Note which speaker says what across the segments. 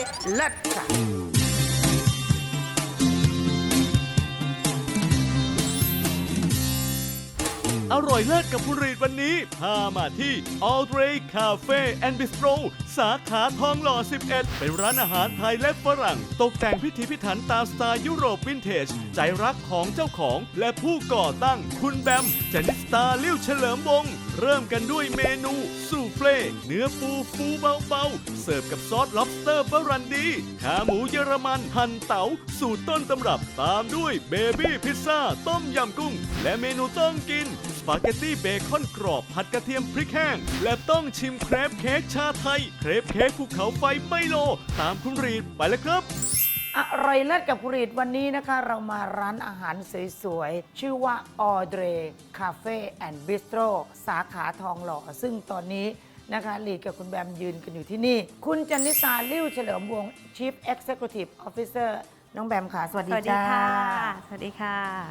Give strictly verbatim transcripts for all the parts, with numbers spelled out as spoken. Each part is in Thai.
Speaker 1: เลิศค่ะ
Speaker 2: อร่อยเลิศกับคุณรีดวันนี้พามาที่ All Day Cafe and Bistro สาขาทองหล่อ สิบเอ็ด เป็นร้านอาหารไทยและฝรั่ง ตกแต่งพิถีพิถันตามสไตล์ยุโรปวินเทจ ใจรักของเจ้าของและผู้ก่อตั้งคุณแบมจนิสตาลิ้วเฉลิมวงศ์เริ่มกันด้วยเมนูซูเฟ่เนื้อปูฟูเบาๆ เสิร์ฟกับซอส lobster บรันดีขาหมูเยอรมันหั่นเต๋าสูตรต้นตำรับตามด้วยเบบี้พิซซ่าต้มยำกุ้งและเมนูต้องกินสปาเกตตี้เบคอนกรอบผัดกระเทียมพริกแห้งและต้องชิมเครปเค้กชาไทยเครปเค้กภูเขาไฟไมโลตามคุณรีดไปเลยครับ
Speaker 1: อร่อยเลิศกับคุณรีดวันนี้นะคะ เรามาร้านอาหารสวยๆชื่อว่า All Day Cafe and Bistro สาขาทองหล่อซึ่งตอนนี้นะคะลีดกับคุณแบมยืนกันอยู่ที่นี่ คุณจนิสาลิ้วเฉลิมวงศ์ Chief Executive Officer น้องแบมค่ะสวัสดีจ้า
Speaker 3: สวัสดีค่ะ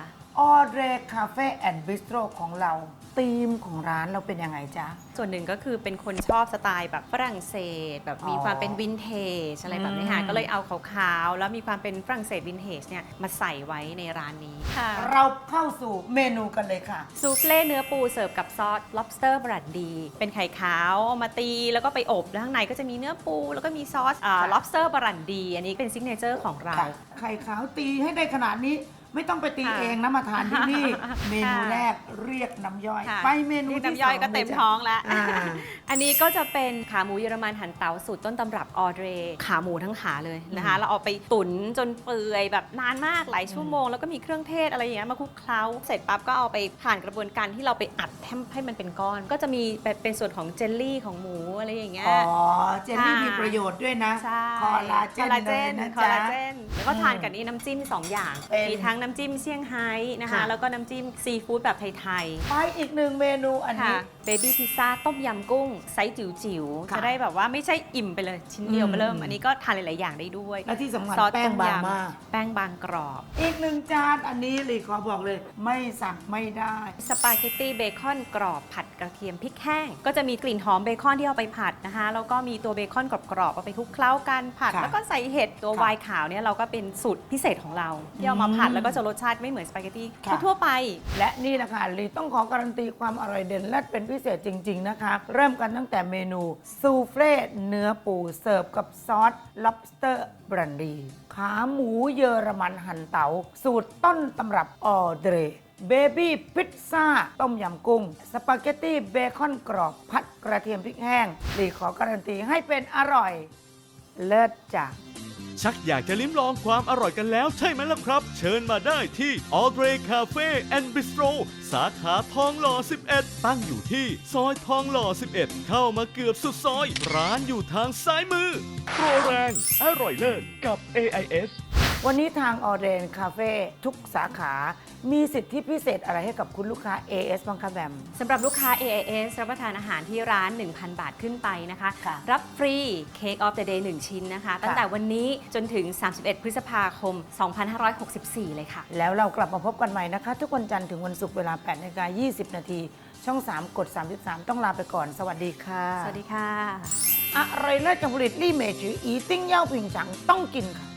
Speaker 1: All Day Cafe and Bistro ของเราธีมของร้านเราเป็นยังไงจ๊ะ
Speaker 3: ส่วนหนึ่งก็คือเป็นคนชอบสไตล์แบบฝรั่งเศสแบบมีความเป็นวินเทจอะไรแบบนี้ค่ะก็เลยเอาขาวๆแล้วมีความเป็นฝรั่งเศสวินเทจเนี่ยมาใส่ไว้ในร้านนี้ค่ะ
Speaker 1: เราเข้าสู่เมนูกันเลยค่ะ
Speaker 3: ซูเฟ่เนื้อปูเสิร์ฟกับซอส lobster บรันดีเป็นไข่ขาวเอามาตีแล้วก็ไปอบแล้วข้างในก็จะมีเนื้อปูแล้วก็มีซอส lobster บรันดีอันนี้เป็นซิกเนเจอร์ของเรา
Speaker 1: ไข่ขาวตีให้ได้ขนาดนี้ไม่ต้องไปตีเองนะมาทานที่นี่เมนูแรกเรียกน้ำย่อยไปเมนูที่สอง
Speaker 3: น้ำย่อยก็เต็มท้องแล้วอันนี้ก็จะเป็นขาหมูเยอรมันหั่นเตาสูตรต้นตำรับออเดรขาหมูทั้งขาเลยนะคะเราเอาไปตุ๋นจนเปื่อยแบบนานมากหลายชั่วโมงแล้วก็มีเครื่องเทศอะไรอย่างเงี้ยมาคลุกเคล้าเสร็จปั๊บก็เอาไปผ่านกระบวนการที่เราไปอัดให้มันเป็นก้อนก็จะมีเป็นส่วนของเจลลี่ของหมูอะไรอย่างเงี้ย
Speaker 1: อ๋อเจลลี่มีประโยชน์ด้วยนะคอลลาเจนเลยนะจ๊ะ
Speaker 3: แล้วก็ทานกับนี้น้ำจิ้มสองอย่างมีทั้งน้ำจิ้มเซี่ยงไฮ้นะคะแล้วก็น้ำจิ้มซีฟู้ดแบบไทย
Speaker 1: ๆไปอีกหนึ่งเมนูอันนี้
Speaker 3: เบบี้พิซซ่าต้มยำกุ้งไซส์จิ๋วๆจะได้แบบว่าไม่ใช่อิ่มไปเลยชิ้นเดียวมาเริ่มอันนี้ก็ทานหลายๆอย่างได้ด้วย
Speaker 1: และที่สำคัญแป้งบางมาก
Speaker 3: แป้งบางกรอบ
Speaker 1: อีกหนึ่งจานอันนี้ลีขอบอกเลยไม่สั่งไม่ได้
Speaker 3: สปาเกตตี้เบคอนกรอบผัดกระเทียมพริกแห้งก็จะมีกลิ่นหอมเบคอนที่เอาไปผัดนะคะแล้วก็มีตัวเบคอนกรอบๆเอาไปคลุกเคล้ากันผัดแล้วก็ใส่เห็ดตัวไวน์ขาวเนี่ยเราก็เป็นสูตรพิเศษของเราที่เอามาผัดแล้วก็จะรสชาติไม่เหมือนสปาเกตตี้ทั่วไป
Speaker 1: และนี่แหละค่ะลีต้องขอการันตีความอร่อยเด่นและเป็นพิเศษจริงๆนะคะเริ่มกันตั้งแต่เมนูซูเฟ่เนื้อปูเสิร์ฟกับซอส lobster บรันดีขาหมูเยอรมันหั่นเต๋าสูตรต้นตำรับออเดรเบบี้พิซซ่าต้มยำกุ้งสปาเกตตี้เบคอนกรอบผัดกระเทียมพริกแห้งลีขอการันตีให้เป็นอร่อยเลิศจ้ะ
Speaker 2: ชักอยากจะลิ้มลองความอร่อยกันแล้วใช่ไหมล่ะครับเชิญมาได้ที่ All Day Cafe and Bistro สาขาทองหล่อ สิบเอ็ด ตั้งอยู่ที่ซอยทองหล่อ สิบเอ็ด เข้ามาเกือบสุดซอยร้านอยู่ทางซ้ายมือโปรแรงอร่อยเลิศกับ เอ ไอ เอส
Speaker 1: วันนี้ทาง All Day Cafe ทุกสาขามีสิทธิพิเศษอะไรให้กับคุณลูกค้า เอ เอส บ้างคะแบม
Speaker 3: สำหรับลูกค้า เอ ไอ เอส รับประทานอาหารที่ร้าน หนึ่งพัน บาทขึ้นไปนะคะรับฟรีเค้กออฟเดอะเดย์หนึ่งชิ้นนะคะตั้งแต่วันนี้จนถึง สามสิบเอ็ด พฤษภาคม สองพันห้าร้อยหกสิบสี่ เลยค่ะ
Speaker 1: แล้วเรากลับมาพบกันใหม่นะคะทุกวันจันทร์ถึงวันศุกร์เวลา แปดนาฬิกายี่สิบ นาทีช่อง สาม กด สามสิบสาม ต้องลาไปก่อนสวัสดีค่ะ
Speaker 3: สวัสดีค่ะ
Speaker 1: อร่อยเลิศกับผลิตลี่เมจืออีติ้งเย่าผิงฉังต้องกินค่ะ